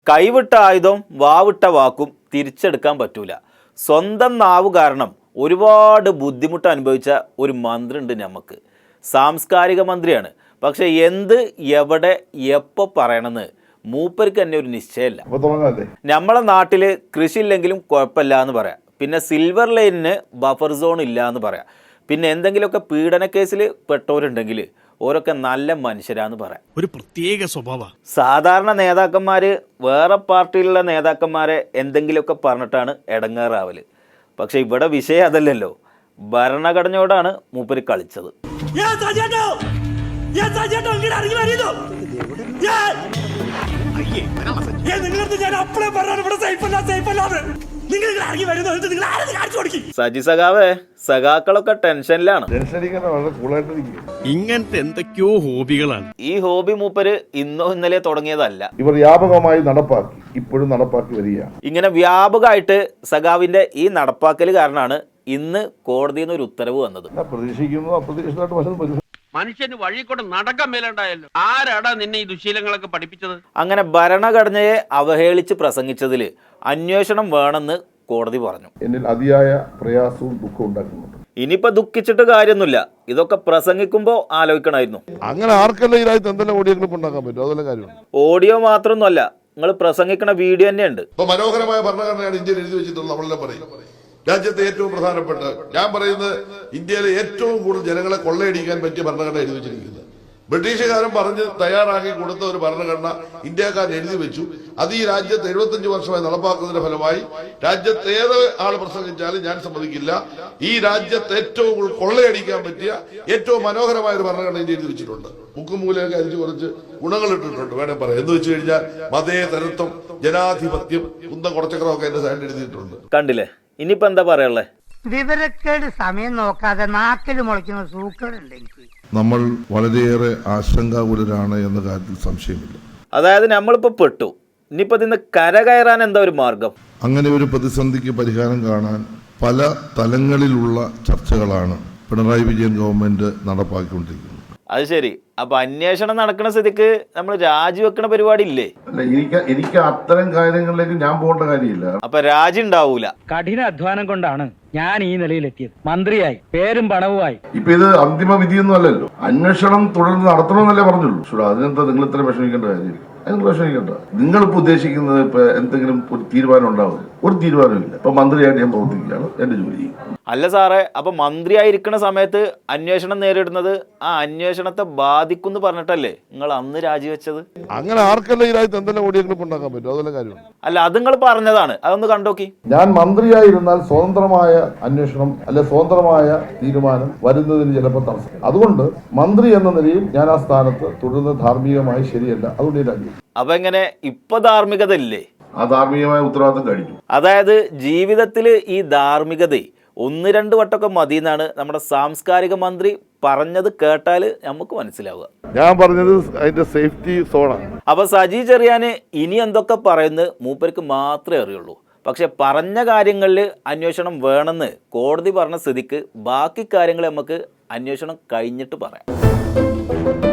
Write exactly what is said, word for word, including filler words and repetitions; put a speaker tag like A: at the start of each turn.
A: കൈവിട്ട ആയുധം വാവിട്ട വാക്കും തിരിച്ചെടുക്കാൻ പറ്റൂല. സ്വന്തം നാവ് കാരണം ഒരുപാട് ബുദ്ധിമുട്ട് അനുഭവിച്ച ഒരു മന്ത്രി ഉണ്ട് നമുക്ക്. സാംസ്കാരിക മന്ത്രിയാണ്. പക്ഷെ എന്ത് എവിടെ എപ്പോൾ പറയണമെന്ന് മൂപ്പർക്ക് തന്നെ ഒരു നിശ്ചയമില്ല. നമ്മളെ നാട്ടിൽ കൃഷി ഇല്ലെങ്കിലും കുഴപ്പമില്ല എന്ന് പറയാം. പിന്നെ സിൽവർ ലൈനിന് ബഫർ സോൺ ഇല്ല എന്ന് പറയാം. പിന്നെ എന്തെങ്കിലുമൊക്കെ പീഡന കേസിൽ പെട്ടവരുണ്ടെങ്കിൽ ഓരൊക്കെ നല്ല മനുഷ്യരാന്ന് പറയാം. ഒരു പ്രത്യേക സ്വഭാവ. സാധാരണ നേതാക്കന്മാർ വേറെ പാർട്ടിയിലുള്ള നേതാക്കന്മാരെ എന്തെങ്കിലുമൊക്കെ പറഞ്ഞിട്ടാണ് ഇടങ്ങേറാവല്. പക്ഷെ ഇവിടെ വിഷയം അതല്ലല്ലോ. ഭരണഘടനയോടാണ് മൂപ്പര് കളിച്ചത്. സജി സഖാവേ, സഖാക്കളൊക്കെ ടെൻഷനിലാണ്.
B: ഇങ്ങനത്തെ എന്തൊക്കെയോ ഹോബികളാണ്.
A: ഈ ഹോബി മൂപ്പര് ഇന്നോ ഇന്നലെ തുടങ്ങിയതല്ല.
C: ഇവർ വ്യാപകമായി നടപ്പാക്കി, ഇപ്പോഴും നടപ്പാക്കി വരികയാണ്.
A: ഇങ്ങനെ വ്യാപകമായിട്ട് സഖാവിന്റെ ഈ നടപ്പാക്കൽ കാരണമാണ് ഇന്ന് കോടതിയിൽ നിന്ന് ഒരു ഉത്തരവ് വന്നത്.
C: പ്രതീക്ഷിക്കുന്നു അപ്രതീക്ഷിതമായിട്ട് പലതും.
D: മനുഷ്യന് വഴി കൂടെ നടക്കാൻ മേലുണ്ടായല്ലോ. ആരാടാ നിന്നെ ഈ ദുശീലങ്ങളൊക്കെ പഠിപ്പിച്ചത്?
A: അങ്ങനെ ഭരണഘടനയെ അവഹേളിച്ച് പ്രസംഗിച്ചതിൽ അന്വേഷണം വേണമെന്ന് കോടതി പറഞ്ഞു.
C: എന്നിൽ അതിയായ പ്രയാസവും ദുഃഖവും ഉണ്ടാക്കുന്നുണ്ട്.
A: ഇനിയിപ്പോ ദുഃഖിച്ചിട്ട് കാര്യമൊന്നുമില്ല. ഇതൊക്കെ പ്രസംഗിക്കുമ്പോ ആലോചിക്കണമായിരുന്നു.
C: അങ്ങനെ ആർക്കെല്ലാം ഇതിനകത്ത് എന്തെല്ലാം ഓഡിയോ ക്ലിപ്പ് ഉണ്ടാക്കാൻ പറ്റും? അതെല്ലാം കാര്യമാണ്.
A: ഓഡിയോ മാത്രമൊന്നുമല്ല, നിങ്ങൾ പ്രസംഗിക്കണ വീഡിയോ തന്നെയുണ്ട്.
E: ഇപ്പൊ മനോഹരമായ ഭരണഘടനയാണ് ഇന്ത്യയിൽ എഴുതി വെച്ചിട്ടുള്ളത്. നമ്മളെല്ലാം പറയും രാജ്യത്തെ ഏറ്റവും പ്രധാനപ്പെട്ട, ഞാൻ പറയുന്നത് ഇന്ത്യയിലെ ഏറ്റവും കൂടുതൽ ജനങ്ങളെ കൊള്ളയടിക്കാൻ പറ്റിയ ഭരണഘടന എഴുതി വെച്ചിരിക്കുന്നത്. ബ്രിട്ടീഷുകാരൻ പറഞ്ഞ് തയ്യാറാക്കി കൊടുത്ത ഒരു ഭരണഘടന ഇന്ത്യക്കാരൻ എഴുതി വെച്ചു. അത് ഈ രാജ്യത്ത് എഴുപത്തഞ്ച് വർഷമായി നടപ്പാക്കുന്നതിന്റെ ഫലമായി രാജ്യത്ത് ഏത് ആൾ പ്രസംഗിച്ചാലും ഞാൻ സമ്മതിക്കില്ല. ഈ രാജ്യത്ത് ഏറ്റവും കൂടുതൽ കൊള്ളയടിക്കാൻ പറ്റിയ ഏറ്റവും മനോഹരമായ ഒരു ഭരണഘടന ഇന്ത്യ എഴുതി വെച്ചിട്ടുണ്ട്. മുക്കും മൂലയൊക്കെ അരിച്ച് കുറച്ച് ഗുണങ്ങൾ ഇട്ടിട്ടുണ്ട് വേണേ പറയാം. എന്ന് വെച്ച് കഴിഞ്ഞാൽ മതേതരത്വം, ജനാധിപത്യം, കുന്തം കുറച്ചക്രമൊക്കെ എന്റെ സൈഡിൽ എഴുതിയിട്ടുണ്ട്.
A: കണ്ടില്ലേ? ഇനിയിപ്പോ എന്താ പറയാനുള്ളത്?
F: വിവരക്കേട് സമയം നോക്കാതെ നാക്കിൽ മുളയ്ക്കുന്ന സൂക്കറുണ്ട് എനിക്ക്.
C: നമ്മൾ വളരെയേറെ ആശങ്കാകുലരാണ് എന്ന കാര്യത്തിൽ സംശയമില്ല.
A: അതായത് നമ്മളിപ്പോ പെട്ടു. ഇനിയിപ്പോ ഇതിന്ന് കരകയറാൻ എന്താ ഒരു മാർഗം?
C: അങ്ങനെ ഒരു പ്രതിസന്ധിക്ക് പരിഹാരം കാണാൻ പല തലങ്ങളിലുള്ള ചർച്ചകളാണ് പിണറായി വിജയൻ ഗവൺമെന്റ് നടപ്പാക്കിക്കൊണ്ടിരിക്കുന്നത്.
A: അത് ശരി. അപ്പൊ അന്വേഷണം നടക്കുന്ന സ്ഥിതിക്ക് നമ്മൾ രാജിവെക്കണ പരിപാടി ഇല്ലേ?
C: അല്ല, എനിക്ക് എനിക്ക് അത്തരം കാര്യങ്ങളിലേക്ക് ഞാൻ പോകേണ്ട കാര്യമില്ല.
A: അപ്പൊ രാജി ഉണ്ടാവൂല.
G: കഠിന അധ്വാനം കൊണ്ടാണ് ഞാൻ ഈ നിലയിലെത്തിയത്. മന്ത്രിയായി, പേരും പണവുമായി.
C: ഇപ്പൊ ഇത് അന്തിമ വിധിയൊന്നും അല്ലല്ലോ. അന്വേഷണം തുടർന്ന് നടത്തണമെന്നല്ലേ പറഞ്ഞുള്ളൂ. പക്ഷേ അതിനെന്താ നിങ്ങൾ ഇത്ര വിഷമിക്കേണ്ട കാര്യമില്ല. അതിന് വിഷമിക്കേണ്ട. നിങ്ങളിപ്പോ ഉദ്ദേശിക്കുന്നത് ഇപ്പൊ എന്തെങ്കിലും ഒരു തീരുമാനം ഉണ്ടാവും? ഒരു തീരുമാനമില്ല. ഇപ്പൊ മന്ത്രിയായിട്ട് ഞാൻ പ്രവർത്തിക്കുകയാണ്, എന്റെ ജോലി.
A: അല്ല സാറേ, അപ്പൊ മന്ത്രിയായിരിക്കുന്ന സമയത്ത് അന്വേഷണം നേരിടുന്നത് ആ അന്വേഷണത്തെ ബാധിക്കും പറഞ്ഞിട്ടല്ലേ നിങ്ങൾ അന്ന് രാജിവെച്ചത്?
C: അങ്ങനെ ആർക്കെല്ലാം ഇതിനകത്ത് എന്തെല്ലാം ഓഡിയോ ക്ലിപ്പ് ഉണ്ടാക്കാൻ പറ്റും? അതെല്ലാം കാര്യമാണ്.
A: അല്ല, അത് നിങ്ങൾ പറഞ്ഞതാണ്. അതൊന്ന് കണ്ടോക്കി.
C: ഞാൻ മന്ത്രിയായിരുന്നാൽ സ്വതന്ത്രമായ അന്വേഷണം അല്ലെ സ്വതന്ത്രമായ തീരുമാനം വരുന്നതിന് ചിലപ്പോൾ തടസ്സം. അതുകൊണ്ട് മന്ത്രി എന്ന നിലയിൽ ഞാൻ ആ സ്ഥാനത്ത് തുടരുന്നത് ധാർമ്മികമായി ശരിയല്ല. അതുകൊണ്ട് രാജി.
A: അപ്പൊ എങ്ങനെ ഇപ്പൊ ധാർമ്മികത ഇല്ലേ?
C: ആ ധാർമ്മികമായ ഉത്തരവാദിത്തം കഴിഞ്ഞു.
A: അതായത് ജീവിതത്തിൽ ഈ ധാർമ്മികത ഒന്ന് രണ്ട് വട്ടമൊക്കെ മതി എന്നാണ് നമ്മുടെ സാംസ്കാരിക മന്ത്രി പറഞ്ഞത്. കേട്ടാൽ നമുക്ക് മനസ്സിലാവുക.
C: ഞാൻ പറഞ്ഞത് അതിന്റെ സേഫ്റ്റി സോണാണ്.
A: അപ്പൊ സജി ചെറിയാന് ഇനി എന്തൊക്കെ പറയുന്നത് മൂപ്പർക്ക് മാത്രമേ അറിയുള്ളൂ. പക്ഷെ പറഞ്ഞ കാര്യങ്ങളിൽ അന്വേഷണം വേണമെന്ന് കോടതി പറഞ്ഞ സ്ഥിതിക്ക് ബാക്കി കാര്യങ്ങൾ നമുക്ക് അന്വേഷണം കഴിഞ്ഞിട്ട് പറയാം.